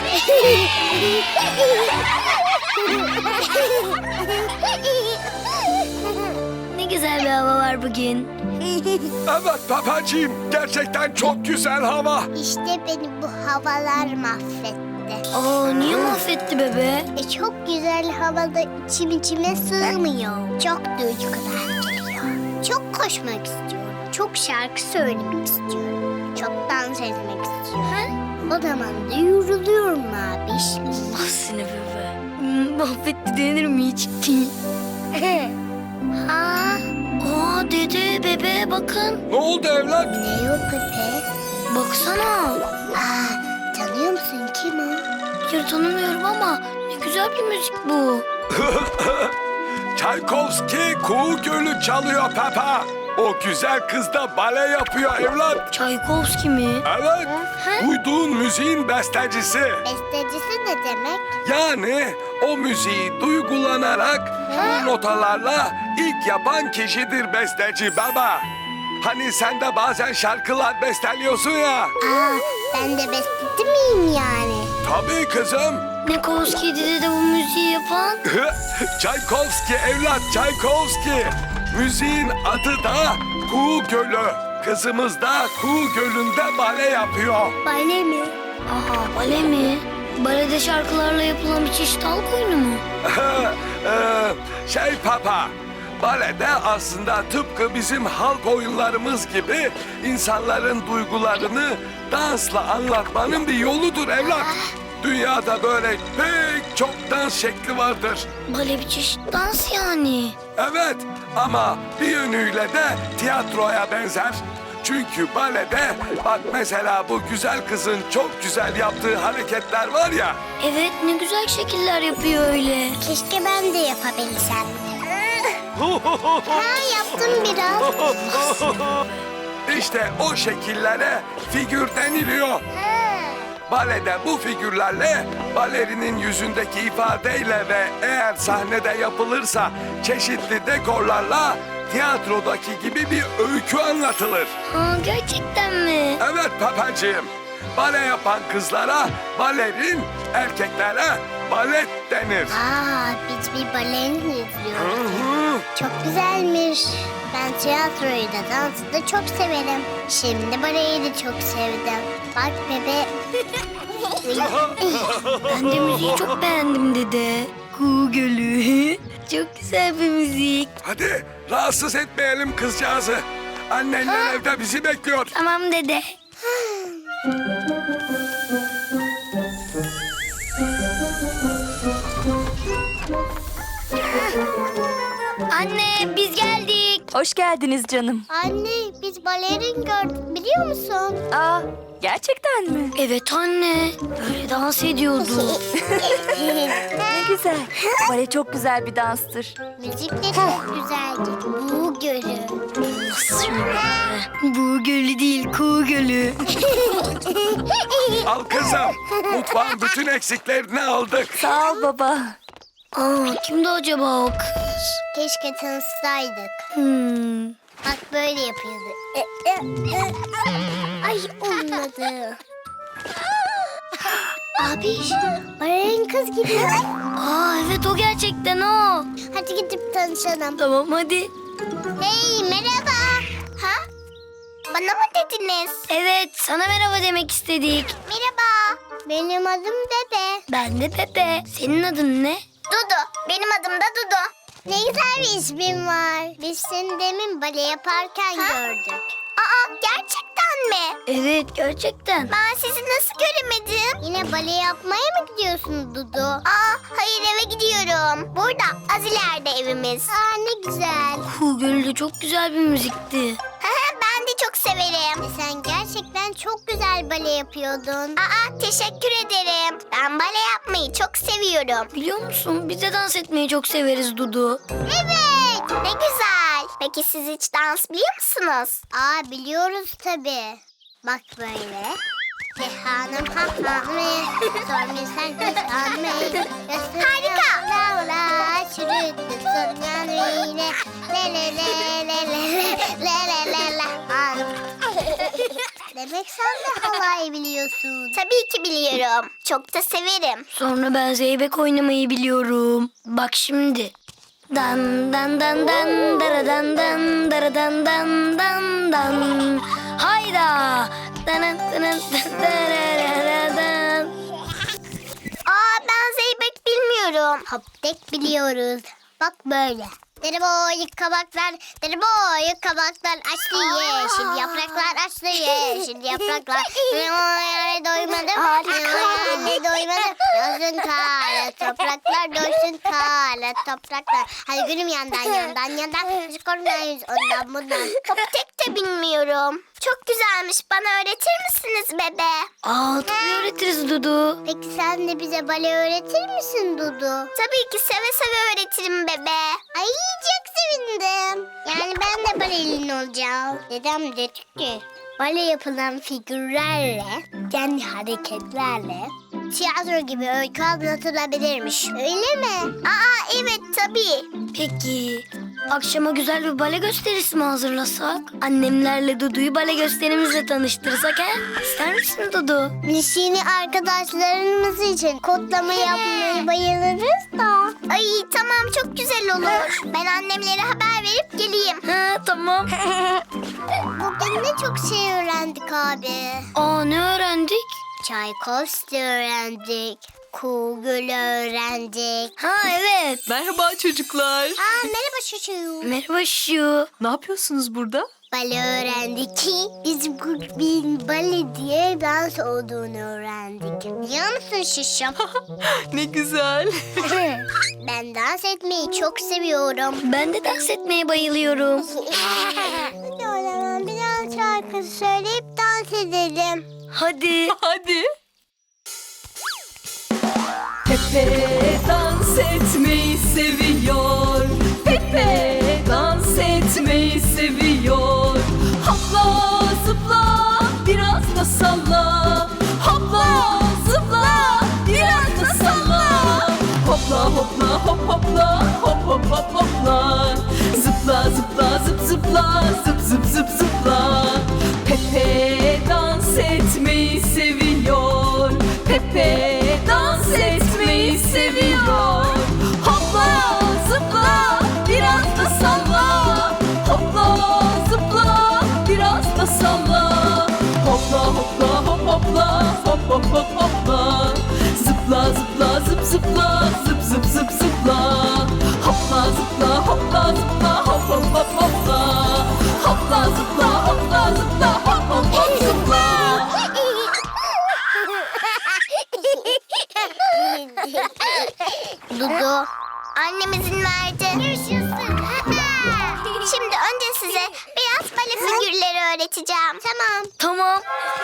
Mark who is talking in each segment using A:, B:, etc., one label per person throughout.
A: Ne güzel bir hava var bugün.
B: Evet babacığım, gerçekten çok güzel hava.
C: İşte beni bu havalar mahvetti.
A: Aa, niye mahvetti bebe?
C: Çok güzel havada içime sığmıyor. Çok duygular geliyor. Çok koşmak istiyorum. Çok şarkı söylemek istiyorum. Çok dans etmek istiyorum. O zaman da yoruluyorum abiş.
A: Allah seni bebe. Mahvetti denir mi hiç?
C: Ha?
A: Aa dede bebe bakın.
B: Ne oldu evlat?
C: Ne o Pepe?
A: Baksana.
C: Aa, tanıyor musun kim o?
A: Hayır tanımıyorum ama ne güzel bir müzik bu.
B: Çaykovski Kuğu Gölü çalıyor Peppa. O güzel kız da bale yapıyor evlat.
A: Çaykovski mi?
B: Evet, duyduğun müziğin bestecisi.
C: Bestecisi ne demek?
B: Yani o müziği duygulanarak bu notalarla ilk yapan kişidir besteci baba. Hani sen de bazen şarkılar besteliyorsun ya.
C: Aa, ben de besteci miyim yani?
B: Tabii kızım.
A: Ne Kovski'ydi dede bu müziği yapan?
B: Çaykovski evlat, Çaykovski. Müziğin adı da Kuğu Gölü. Kızımız da Kuğu Gölü'nde bale yapıyor.
C: Bale mi?
A: Aha bale mi? Balede şarkılarla yapılan bir çeşit halk oyunu mu?
B: Papa, balede aslında tıpkı bizim halk oyunlarımız gibi insanların duygularını dansla anlatmanın bir yoludur evlat. Dünyada böyle pek çok dans şekli vardır.
A: Bale bir çeşit dans yani.
B: Evet, ama bir yönüyle de tiyatroya benzer. Çünkü balede bak mesela bu güzel kızın çok güzel yaptığı hareketler var ya.
A: Evet ne güzel şekiller yapıyor öyle.
C: Keşke ben de yapabilsem. Ha, yaptım biraz.
B: İşte o şekillere figür deniliyor. Balede bu figürlerle balerinin yüzündeki ifadeyle ve eğer sahnede yapılırsa çeşitli dekorlarla tiyatrodaki gibi bir öykü anlatılır.
A: Aa, gerçekten mi?
B: Evet papacığım, bale yapan kızlara balerin, erkeklere balet denir.
C: Aa, biz bir balerini izliyoruz. Çok güzelmiş. Ben tiyatroyu da dansı da çok severim. Şimdi baleyi de çok sevdim. Bak bebe.
A: Ben de müziği çok beğendim dede. Kuğu Gölü. Çok güzel bir müzik.
B: Hadi rahatsız etmeyelim kızcağızı. Annenler evde bizi bekliyor.
A: Tamam dede. Anne biz geldik.
D: Hoş geldiniz canım.
C: Anne, biz balerin gördük biliyor musun?
D: Aa, gerçekten mi?
A: Evet anne. Böyle dans ediyordu.
D: Ne güzel. Bale çok güzel bir danstır.
C: Müzik de çok güzeldi. Bu gölü.
A: Bu gölü değil Kuğu Gölü.
B: Al kızım, mutfağın bütün eksiklerini aldık.
D: Sağ ol baba.
A: Aa, kimdi acaba o kız?
C: Keşke tanışsaydık. Bak böyle yapıyordu. Ay olmadı. Abi, balerin kız gibi.
A: Aa evet o gerçekten o.
C: Hadi gidip tanışalım.
A: Tamam hadi.
C: Hey, merhaba. Ha? Bana mı dediniz?
A: Evet sana merhaba demek istedik.
C: Merhaba. Benim adım Bebe.
A: Ben de Pepe. Senin adın ne?
C: Dudu. Benim adım da Dudu. Ne güzel bir ismin var. Biz seni demin bale yaparken gördük. Aa, gerçekten mi?
A: Evet gerçekten.
C: Ben sizi nasıl göremedim? Yine bale yapmaya mı gidiyorsun Dudu? Aa, hayır eve gidiyorum. Burada, az ileride evimiz. Aa, ne güzel.
A: Kuğu Gölü de çok güzel bir müzikti.
C: Ben de çok severim. Sen gerçekten çok güzel bale yapıyordun. Aa, teşekkür ederim. Ben bale yapmayı çok seviyorum.
A: Biliyor musun biz de dans etmeyi çok severiz Dudu.
C: Evet, ne güzel. Peki siz hiç dans biliyor musunuz? Aa, biliyoruz tabii. Bak böyle. Hanım hanım, sormuyor sen hanım. Harika. La la, çürüttü sonyan yine. Le le le le le le le le le le. Demek sen de halay biliyorsun. Tabii ki biliyorum. Çok da severim.
A: Sonra ben zeybek oynamayı biliyorum. Bak şimdi. Dan dan dan dan dara dan dan dara dan dan dan dan. Hayda. Dan dan dan dan dan.
C: Ben zeybek bilmiyorum. Hop tek biliyoruz. Bak böyle. Deri boyu kabaklar, deri boyu kabaklar açtı yeşil yapraklar açtı yeşil yapraklar. Doymadım, doymadım. Doysun kara topraklar, doysun kara topraklar. Hadi gülüm yandan. Müzik oynayız ondan bundan. Hop tek de bilmiyorum. Çok güzelmiş. Bana öğretir misiniz bebe?
A: Tabii öğretiriz Dudu.
C: Peki sen de bize bale öğretir misin Dudu? Tabii ki seve seve öğretirim bebe. Ay çok sevindim. Yani ben de balelin olacağım. Dedem dedi ki bale yapılan figürlerle, kendi hareketlerle tiyatro gibi öykü anlatılabilirmiş. Öyle mi? Evet tabii.
A: Peki akşama güzel bir bale gösterisi mi hazırlasak? Annemlerle Dudu'yu bale gösterimizle tanıştırsak he? İster misin Dudu?
C: Biz yeni arkadaşlarımız için kodlama yapmayı bayılırız da. Ay tamam çok güzel olur. Ben annemlere haber verip geleyim.
A: Tamam.
C: Bugün ne çok şey öğrendik abi.
A: Ne öğrendik?
C: Çaykovski öğrendik. Kuğgül öğrendik.
A: Evet.
E: Merhaba çocuklar.
C: Merhaba çocuğum.
A: Merhaba şu.
E: Ne yapıyorsunuz burada?
C: Bale öğrendik ki bizim kulübün bale diye dans olduğunu öğrendik. Biliyor musun şişim?
E: Ne güzel.
C: Ben dans etmeyi çok seviyorum.
A: Ben de dans etmeye bayılıyorum.
C: Hadi o zaman biraz şarkı söyleyip dans edelim.
A: Hadi.
E: Hadi. Pepe dans etmeyi seviyor. Pepe dans etmeyi seviyor. Hopla zıpla biraz da salla. Hopla zıpla biraz da salla. Hopla hopla hop hopla hop hop hop hopla. Zıpla zıpla zıp zıpla zıp zıp zıp zıpla. Pepe dans etmeyi seviyor. Pepe dans etmeyi seviyor. Hopla zıpla biraz da salla. Hopla zıpla biraz da salla. Hopla hopla hop hopla hop hop hop hopla. Zıpla zıpla zıp zıpla zıp zıp zıp zıpla. Hopla zıpla hopla zıpla hop hop hop hopla. Hopla zıpla hopla zıpla hop hop hop zıpla.
C: Dudu. Annem izin verdi. Yaşasın. Şimdi önce size biraz bale figürleri öğreteceğim. Tamam.
A: Tamam.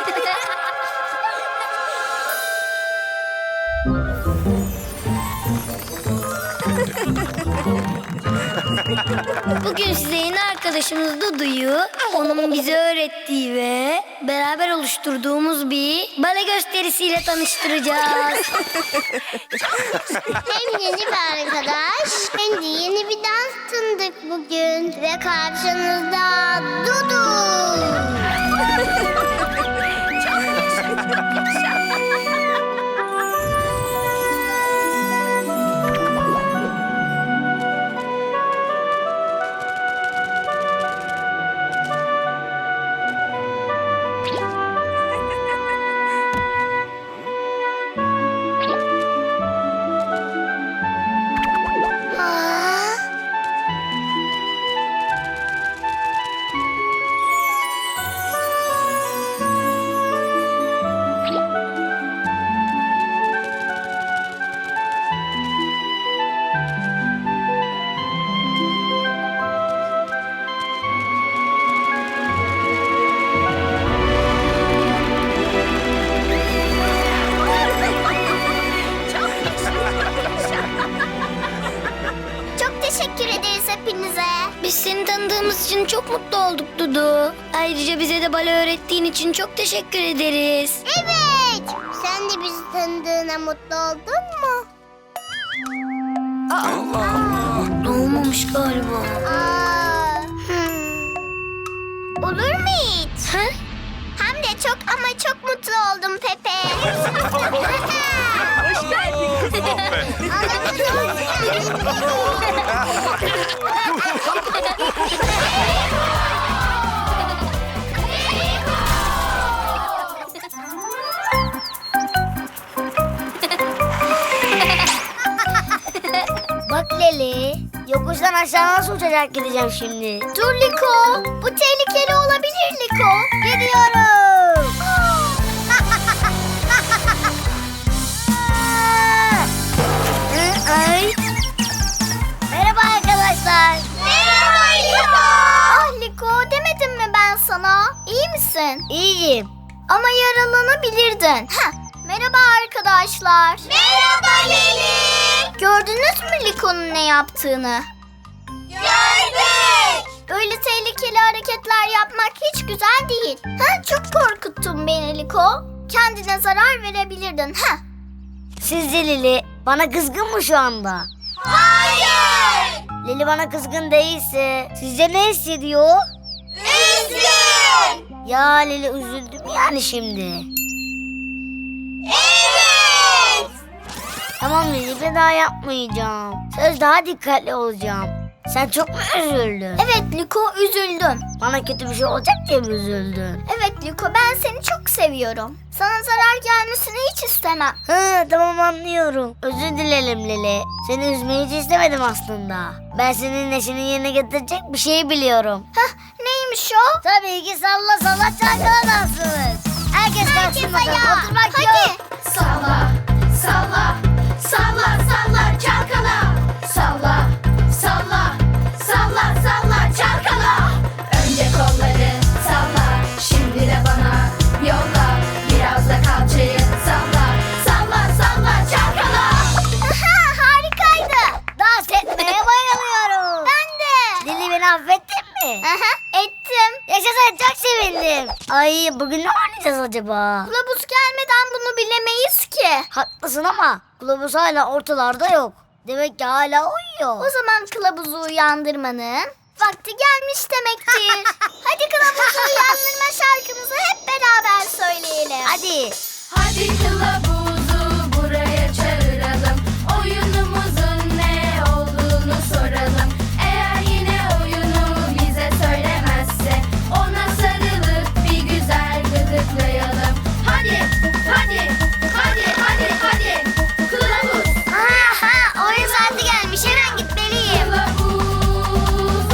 A: Bugün size yeni arkadaşımız Dudu'yu, onun bize öğrettiği ve beraber oluşturduğumuz bir bale gösterisiyle tanıştıracağız.
C: Hem yeni bir arkadaş hem de yeni bir dans tanıdık bugün. Ve karşınızda Dudu. Çok teşekkür ederiz hepinize.
A: Biz seni tanıdığımız için çok mutlu olduk Dudu. Ayrıca bize de bale öğrettiğin için çok teşekkür ederiz.
C: Evet. Sen de bizi tanıdığına mutlu oldun mu?
B: Allah Allah.
A: Olmamış galiba.
C: Olur mu hiç?
A: Ha?
C: Hem de çok ama çok mutlu oldum Pepe.
D: Hoş geldin.
A: Bak Leli, yokuştan aşağı nasıl uçarak gideceğim şimdi?
C: Dur Liko. Bu tehlikeli olabilir Liko.
A: Gidiyorum. Ay. Merhaba arkadaşlar.
C: Merhaba Liko. Ah Liko, demedim mi ben sana? İyi misin?
A: İyiyim.
C: Ama yaralanabilirdin. Merhaba arkadaşlar. Merhaba Leli. Gördünüz mü Liko'nun ne yaptığını? Gördük. Böyle tehlikeli hareketler yapmak hiç güzel değil. Çok korkuttun beni Liko. Kendine zarar verebilirdin.
A: Sizce Lili bana kızgın mı şu anda?
C: Hayır.
A: Lili bana kızgın değilse sizce ne hissediyor?
C: Üzgün.
A: Ya Lili üzüldüm yani şimdi.
C: Evet.
A: Tamam Lili bir daha yapmayacağım. Söz daha dikkatli olacağım. Sen çok mu üzüldün?
C: Evet Liko, üzüldüm.
A: Bana kötü bir şey olacak diye mi üzüldün?
C: Evet Liko, ben seni çok seviyorum. Sana zarar gelmesini hiç istemem.
A: Tamam anlıyorum. Özür dilerim Lili. Seni üzmeyi hiç istemedim aslında. Ben senin neşeni yerine getirecek bir şey biliyorum.
C: Neymiş o?
A: Tabii ki salla salla çalkala dansımız. Herkes kalksın bakalım.
C: ayağa.
A: Oturmak
C: Hadi.
A: yok.
E: Salla, salla, salla, salla, çalkala. Salla, salla, salla, salla, çalkala. Önce kolları salla, şimdi de bana yolla. Biraz da kalçayı salla, salla, salla, çalkala.
C: Harikaydı.
A: Dans etmeye bayılıyorum.
C: Ben de.
A: Lili beni affettin mi?
C: Ettim.
A: Yaşasın çok sevindim. Ay bugün ne oynayacağız acaba?
C: Kılavuz gelmeden bunu bilemeyiz ki.
A: Haklısın ama kılavuz hala ortalarda yok. Demek ki hala uyuyor.
C: O zaman kılavuzu uyandırmanın vakti gelmiş demektir. Hadi kılavuzu uyandırma şarkımızı hep beraber söyleyelim.
A: Hadi.
E: Hadi kılavuzu buraya çağıralım. Oyunumuzun ne olduğunu soralım. Eğer yine oyunu bize söylemezse ona sarılıp bir güzel gıdıklayalım. Hadi, hadi, hadi, hadi, hadi. Kılavuz,
C: Oyun saati gelmiş, hemen gitmeliyim.
E: kılavuz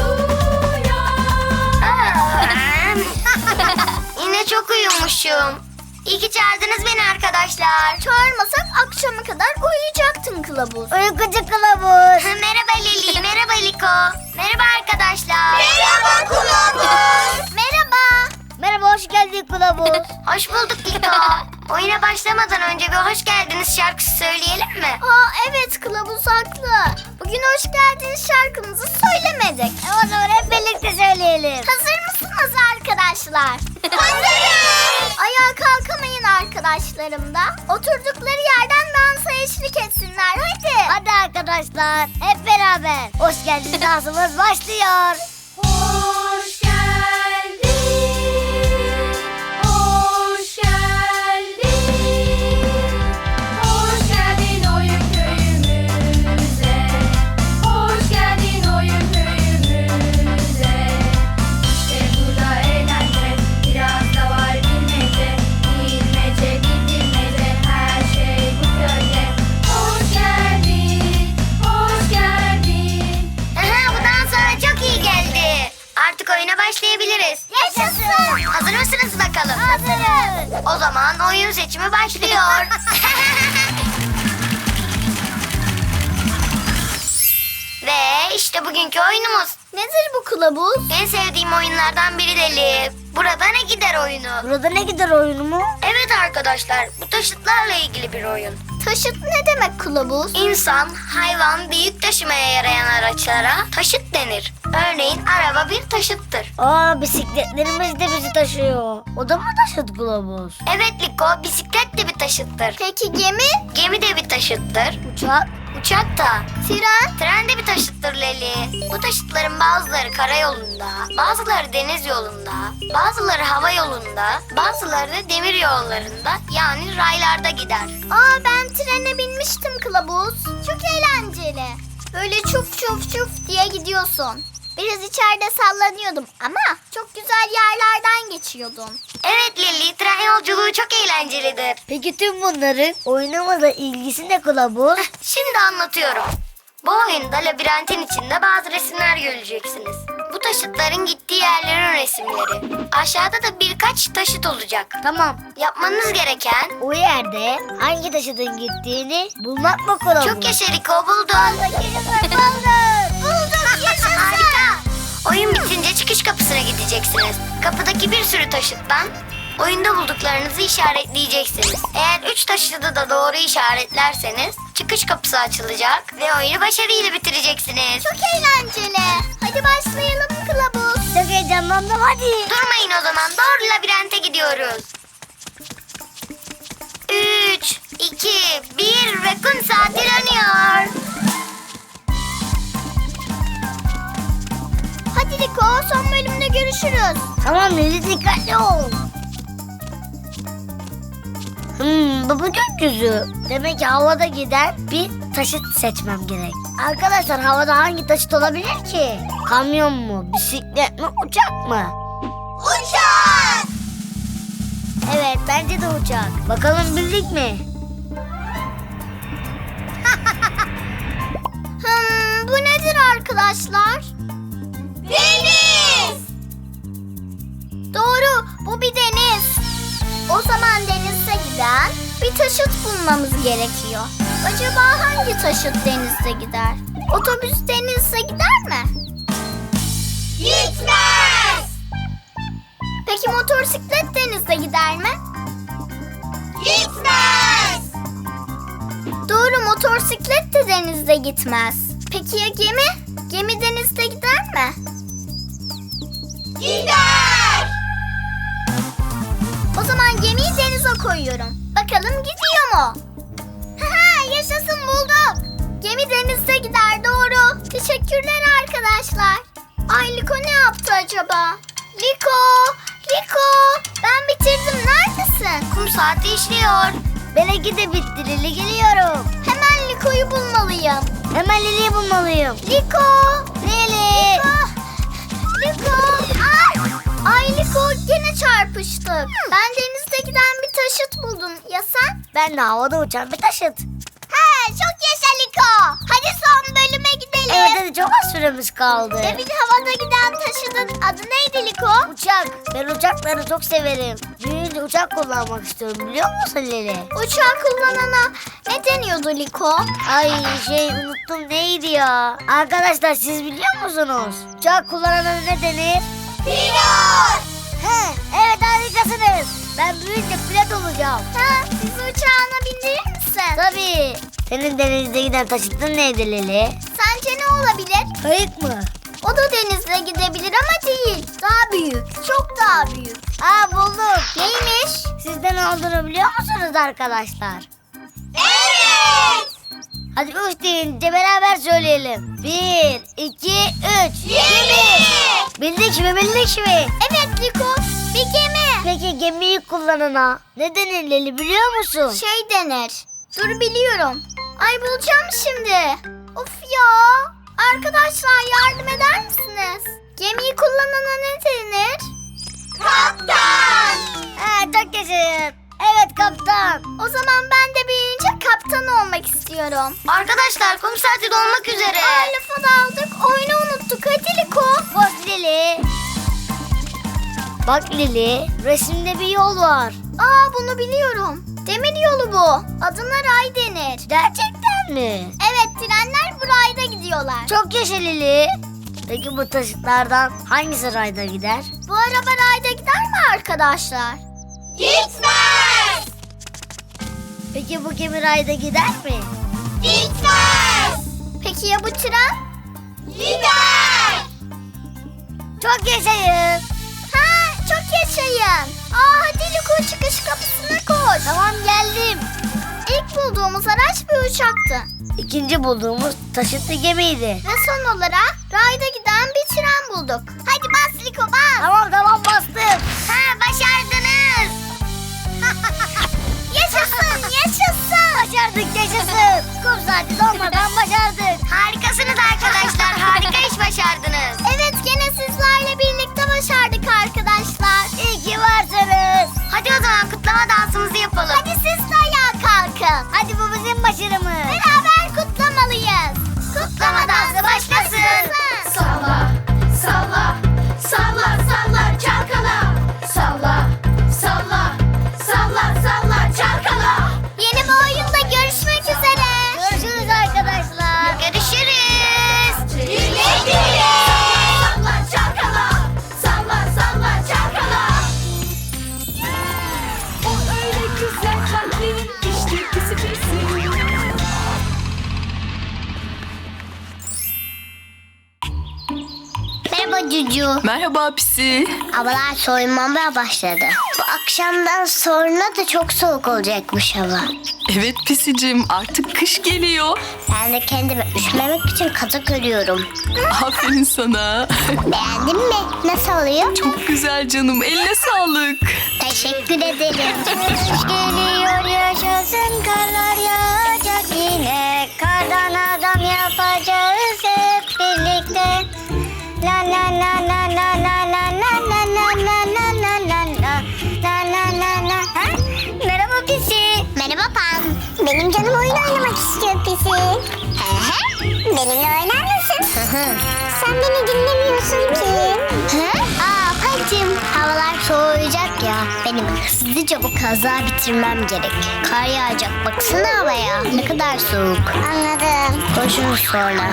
E: uyan.
C: Yine çok uyumuşum. İyi ki çağırdınız beni arkadaşlar. Çağırmasak akşama kadar uyuyacaktın kılavuz.
A: Uykucu kılavuz.
C: Merhaba Leli, merhaba Liko. Merhaba arkadaşlar. Merhaba kılavuz. Merhaba.
A: Merhaba hoş geldin kılavuz.
C: Hoş bulduk Liko. Oyuna başlamadan önce bir hoş geldiniz şarkısı söyleyelim mi? Evet, kılavuz haklı. Bugün hoş geldiniz şarkımızı söylemedik.
A: O zaman hep birlikte söyleyelim.
C: Hazır mısınız arkadaşlar? Hazırız. Ayağa kalkamayın arkadaşlarım da. Oturdukları yerden dansa eşlik etsinler. Hadi.
A: Hadi arkadaşlar hep beraber. Hoş geldin dansımız başlıyor.
E: Hoş geldin, hoş geldin, hoş geldin oyun köyümüze, hoş geldin oyun köyümüze. İşte burada eğlence, biraz da var bilmece, bilmece, bilmece, her şey bu köyde. Hoş geldin, hoş geldin.
C: Bu dans sana çok iyi geldi. Artık oyuna başlayabiliriz. Yaşasın. Hazır mısınız bakalım?
A: Hazırız.
C: O zaman oyun seçimi başlıyor. Ve işte bugünkü oyunumuz. Nedir bu kılavuz? En sevdiğim oyunlardan biri Leli. Burada ne gider oyunu?
A: Burada ne gider oyunu mu?
C: Evet arkadaşlar, bu taşıtlarla ilgili bir oyun. Taşıt ne demek kılavuz? İnsan, hayvan ve yük taşımaya yarayan araçlara taşıt denir. Örneğin araba bir taşıttır.
A: Bisikletlerimiz de bizi taşıyor. O da mı taşıt kılavuz?
C: Evet Liko, bisiklet de bir taşıttır. Peki gemi? Gemi de bir taşıttır.
A: Uçak? Uçak da.
C: Tren?
A: Tren de bir taşıttır Leli. Bu taşıtların bazıları karayolunda, bazıları deniz yolunda, bazıları hava yolunda, bazıları da demir yollarında yani raylarda gider.
C: Aa, ben trene binmiştim kılavuz. Çok eğlenceli. Böyle çuf çuf çuf diye gidiyorsun. Biraz içeride sallanıyordum ama çok güzel yerlerden geçiyordum.
A: Evet Leli, tren yolculuğu çok eğlencelidir.
C: Peki tüm bunların oyunumuzla ilgisi ne kılavuz?
A: Şimdi anlatıyorum. Bu oyunda labirentin içinde bazı resimler göreceksiniz. Bu taşıtların gittiği yerlerin resimleri. Aşağıda da birkaç taşıt olacak.
C: Tamam.
A: Yapmanız gereken...
C: O yerde hangi taşıtın gittiğini bulmak mı kılavuz?
A: Çok yaşa Liko, buldun.
C: Bulduk, yaşasın.
A: Harika. Oyun bitince çıkış kapısına gideceksiniz. Kapıdaki bir sürü taşıttan oyunda bulduklarınızı işaretleyeceksiniz. Eğer 3 taşıtı da doğru işaretlerseniz çıkış kapısı açılacak ve oyunu başarıyla bitireceksiniz.
C: Çok eğlenceli. Hadi başlayalım kılavuz. Çok heyecanlandım, hadi.
A: Durmayın o zaman, doğru labirente gidiyoruz. 3, 2, 1 ve kum saati dönüyor.
C: Hadi Liko, son bölümde görüşürüz. Tamam Lili, dikkatli ol. Bu gökyüzü. Demek ki havada giden bir taşıt seçmem gerek. Arkadaşlar, havada hangi taşıt olabilir ki? Kamyon mu, bisiklet mi, uçak mı? Uçak! Evet, bence de uçak. Bakalım bildik mi? Bu nedir arkadaşlar? Deniz! Doğru, bu bir deniz. O zaman denize giden bir taşıt bulmamız gerekiyor. Acaba hangi taşıt denizde gider? Otobüs denizde gider mi? Gitmez! Peki motosiklet denizde gider mi? Gitmez! Doğru, motosiklet de denizde gitmez. Peki ya gemi? Gemi denizde gider mi? Gider! O zaman gemiyi denize koyuyorum. Bakalım gidiyor mu? Haha, yaşasın, bulduk. Gemi denizde gider, doğru. Teşekkürler arkadaşlar. Ay, Liko ne yaptı acaba? Liko, ben bitirdim. Neredesin?
A: Kum saati işliyor.
C: Benimki de bitti Lili, geliyorum. Hemen Liko'yu bulmalıyım. Hemen Lili'yi bulmalıyım. Liko! Lili! Liko! Ay Liko, gene çarpıştık. Ben denizde giden bir taşıt buldum. Ya sen? Ben de havada uçan bir taşıt. He, çok yaşa Liko. Hadi son bölüme gidelim. Evet, hadi, çok az süremiz kaldı. Demin havada giden taşıtın adı neydi Liko? Uçak. Ben uçakları çok severim. Büyüyünce uçak kullanmak istiyorum, biliyor musun Lili? Uçak kullanana ne deniyordu Liko? Ay unuttum, neydi ya? Arkadaşlar, siz biliyor musunuz? Uçak kullanana ne denir? Pilot! Evet, harikasınız. Ben büyüyünce pilot olacağım. Bizi uçağına bindirir misin? Tabii. Senin denizde giden taşıtın neydi Lili? Sence ne olabilir? Kayık mı? O da denizde gidebilir ama değil. Daha büyük. Çok daha büyük. Buldum. Neymiş? Siz de ne olduğunu biliyor musunuz arkadaşlar? Evet! Hadi 3 deyince beraber söyleyelim. 1, 2, 3. Gemi! Bildik mi? Evet Liko, bir gemi. Peki gemiyi kullanana ne denir Leli, biliyor musun? Şey denir. Dur, biliyorum. Ay, bulacağım şimdi. Of ya. Arkadaşlar, yardım eder misiniz? Gemiyi kullanana ne denir? Kaptan. Çok yaşayın. Evet, kaptan. O zaman ben de büyüyünce kaptan olmak istiyorum.
A: Arkadaşlar, kum saati dolmak üzere.
C: Lafa daldık, oyunu unuttuk. Hadi Liko. Bak Lili. Bak Lili, resimde bir yol var. Bunu biliyorum. Demir yolu bu. Adına ray denir. Gerçekten mi? Evet, trenler bu rayda gidiyorlar. Çok yaşa Lili. Peki bu taşıtlardan hangisi rayda gider? Bu araba rayda gider mi arkadaşlar? Gitmez! Peki bu gemi rayda gider mi? Gitmez! Peki ya bu tren? Gider! Çok yaşayın. Çok yaşayın. Hadi Liko, çıkış kapısına koş. Tamam, geldim. İlk bulduğumuz araç bir uçaktı.
A: İkinci bulduğumuz taşıtlı gemiydi.
C: Ve son olarak rayda giden bir tren bulduk. Hadi bas Liko bas.
A: Tamam bastım.
C: Ha, başardınız. Yaşasın yaşasın.
A: Başardık yaşasın. Kum saati dolmadan başardık.
C: Harikasınız arkadaşlar. Harika iş başardınız. Evet gene sizlerle birlikte başardık arkadaşlar.
A: İyi ki varsınız.
C: Hadi o zaman kutlama dansımızı yapalım. Hadi siz de ayağa kalkın.
A: Hadi bu bizim başarımız.
C: Beraber kutlamalıyız. Kutlama dansı başlasın.
E: Salla, salla, salla, salla, çalkala. Salla, salla, salla, salla, çalkala.
C: Yeni bir oyunda görüşmek üzere.
A: Görüşürüz arkadaşlar.
C: Görüşürüz.
E: Birlikteyiz. Salla, çalkala. Salla, salla, çalkala. O öyle güzel kalpli, işte pisi pisi.
C: Merhaba Cucu.
D: Merhaba Pisi.
C: Havalar soğumaya başladı. Bu akşamdan sonra da çok soğuk olacakmış hava.
D: Evet Pisicim, artık kış geliyor.
C: Ben de kendimi üşümemek için kazak örüyorum.
D: Aferin sana.
C: Beğendin mi? Nasıl oluyor?
D: Çok güzel canım, eline sağlık.
C: Teşekkür ederim.
A: Kış geliyor yaşasın, karlar yağacak yine. Kardan adam yapacağız hep birlikte. La la la la la la la la la la la la la la la. Ha? Merhaba Pisi.
C: Merhaba Pan. Benim canım oyun oynamak istiyor Pisi. He he. Benimle oynar mısın? Sen beni dinlemiyorsun ki. He? Aa Pancım, havalar soğuyacak ya. Benim hızlıca bu kazağı bitirmem gerek. Kar yağacak, baksana havaya. Ne kadar soğuk. Anladım. Konuşuruz sonra.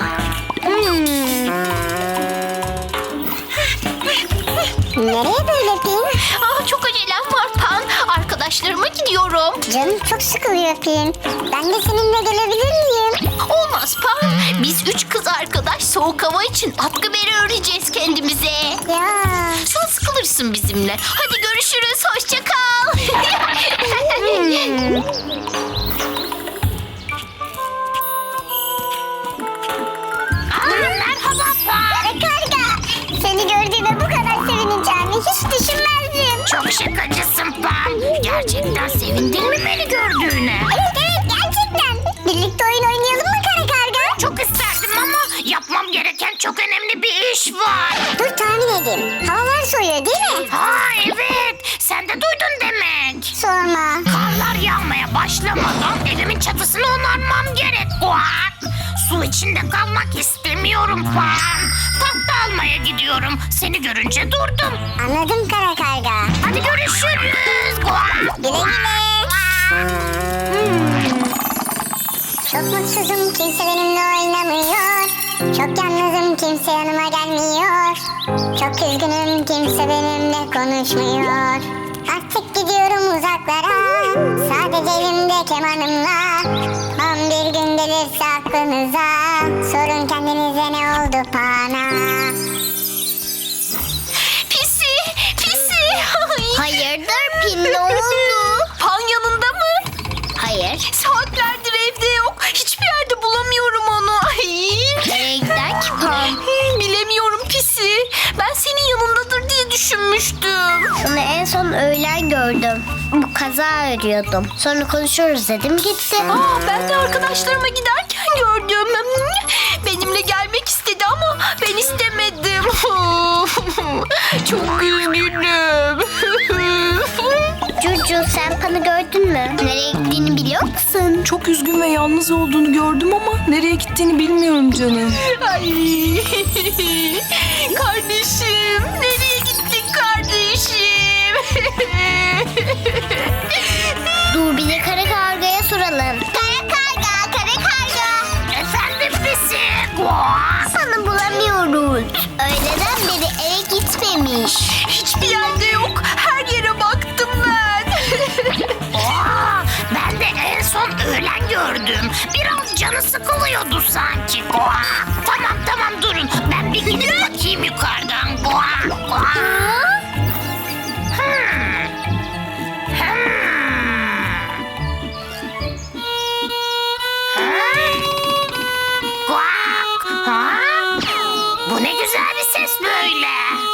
C: Nereye böyle Pin?
F: Çok acelem var Pan. Arkadaşlarıma gidiyorum.
C: Canım çok sıkılıyor Pin. Ben de seninle gelebilir miyim?
F: Olmaz Pan. Biz 3 kız arkadaş soğuk hava için atkı beri öreceğiz kendimize.
C: Ya.
F: Sen sıkılırsın bizimle. Hadi görüşürüz. Hoşça kal.
C: Merhaba Pan. Karga. Seni gördüğüme bu kadar sevineceğimi hiç düşünmezdim.
F: Çok şakacısın Pan. Gerçekten sevindin mi beni gördüğüne?
C: Evet gerçekten. Birlikte oyun oynayalım mı Kara Karga?
F: Çok isterdim ama yapmam gereken çok önemli bir iş var.
C: Dur tahmin edeyim. Havalar soğuyor değil mi?
F: Ha evet. Sen de duydun demek.
C: Sorma.
F: Karlar yağmaya başlamadan evimin çatısını onarmam gerek. Kuak! Su içinde kalmak istemiyorum Pan. Tahta almaya gidiyorum. Seni görünce durdum.
C: Anladım Kara Karga.
F: Hadi görüşürüz. Kuak!
C: Güle güle. Çok mutsuzum kimse benimle oynamıyor. Çok yalnızım kimse yanıma gelmiyor. Çok üzgünüm kimse benimle konuşmuyor. Artık gidiyorum uzaklara. Sadece elimde kemanımla. Tam bir gün gelirse aklınıza. Sorun kendinize ne oldu bana.
F: Pisi! Pisi!
C: Hayırdır Pin ne oldu?
F: Pan yanında mı?
C: Hayır.
F: Saatlerdir evde yok. Hiçbir yerde bulamıyorum onu. Ay.
C: Nereye gider ki Pan?
F: Bilemiyorum Pisi. Ben senin yanındadır diye düşünmüştüm.
C: Onu en son öğlen gördüm. Bu kaza örüyordum. Sonra konuşuruz dedim gitti.
F: Ben de arkadaşlarıma giderken gördüm. Benimle gelmek istedi ama ben istemedim. Çok üzgünüm.
C: Cucu sen Pan'ı gördün mü? Nereye gittiğini biliyor musun?
D: Çok üzgün ve yalnız olduğunu gördüm ama nereye gittiğini bilmiyorum canım.
F: Ay. Kardeşim, nereye gittin kardeşim?
C: Dur bir de kara kargaya soralım. Kara karga, kara karga.
F: Efendim Pisi?
C: Pan'ı bulamıyoruz. Öğleden beri eve gitmemiş.
F: Hiçbir yerde yok. Her yere baktım ben. Ben de en son öğlen gördüm. Biraz canı sıkılıyordu sanki. Tamam durun. Ben bir gidip bakayım yukarıdan. ses böyle?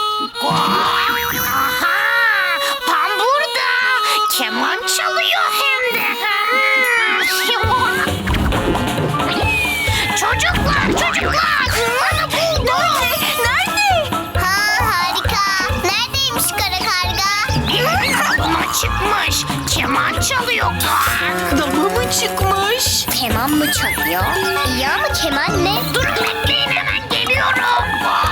F: Aha, Pan burada. Keman çalıyor hem de. Çocuklar. Bana buldum.
C: Nerede? Ha, harika. Neredeymiş kara karga?
F: Buna çıkmış. Keman çalıyor.
D: Dama mı çıkmış?
C: Keman mı çalıyor? İyi ama keman ne?
F: Durun bekleyin, hemen geliyorum.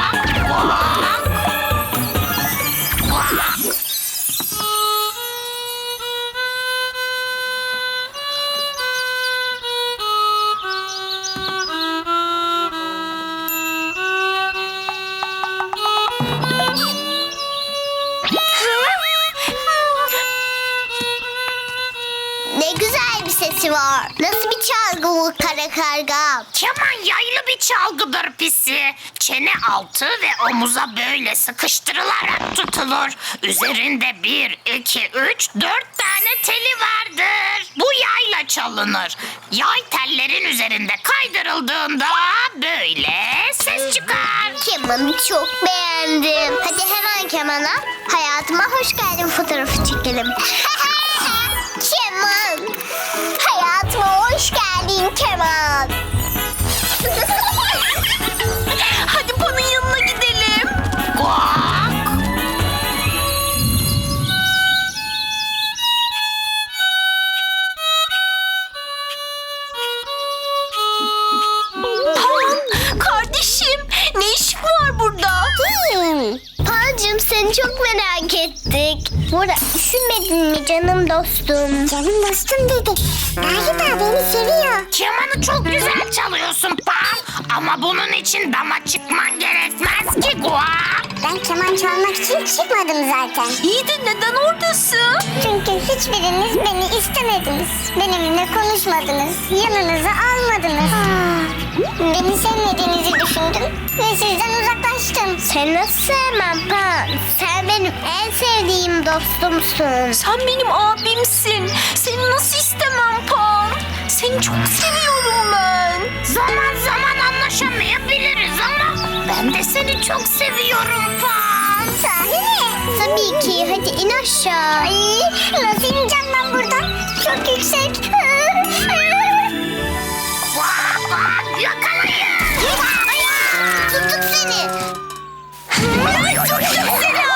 C: Ne güzel bir sesi var. Nasıl bir çalgı bu kara karga?
F: Keman yaylı bir çalgıdır pisi. Çene altı ve omuza böyle sıkıştırılarak tutulur. Üzerinde 1, 2, 3, 4 tane teli vardır. Bu yayla çalınır. Yay tellerin üzerinde kaydırıldığında böyle ses çıkar.
C: Kemanı çok beğendim. Hadi hemen kemana. Hayatıma hoş geldin fotoğrafı çekelim. Keman. Hayatıma hoş geldin keman.
D: Hadi Pan'ın yanına gidelim.
F: Guak.
D: Kardeşim, ne işin var burada?
C: Pancım seni çok merak ettik. Bora üşümedin mi canım dostum? Canım dostum dedi. Galiba beni seviyor.
F: Kemanı çok güzel çalıyorsun Pan. Ama bunun için dama çıkman gerekmez ki Guak.
C: Ben keman çalmak için çıkmadım zaten.
D: İyi de neden oradasın?
C: Çünkü hiçbiriniz beni istemediniz. Benimle konuşmadınız. Yanınıza almadınız. Beni sevmediğinizi düşündüm ve sizden uzaklaştım. Sen nasıl sevmem Pan? Sen benim en sevdiğim dostumsun.
D: Sen benim abimsin. Seni nasıl istemem Pan? Seni çok seviyorum ben.
F: Zaman zaman anlaşamayabiliriz ama ben de seni çok seviyorum Pan.
C: Sahi mi? Tabii ki. Hadi in aşağı. Ay, nasıl ineceğim ben buradan? Çok yüksek.
F: Guak guak, yakalayın.
C: Tuttuk seni. Tuttuk seni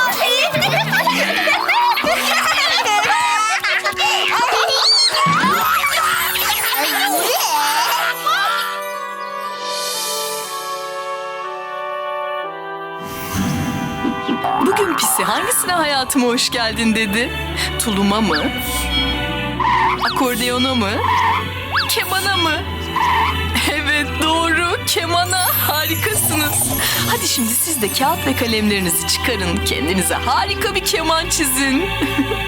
D: Bugün Pisi hangisine hayatıma hoş geldin dedi? Tuluma mı? Akordeona mı? Kemana mı? Evet doğru, kemana. Harikasınız. Hadi şimdi siz de kağıt ve kalemlerinizi çıkarın. Kendinize harika bir keman çizin.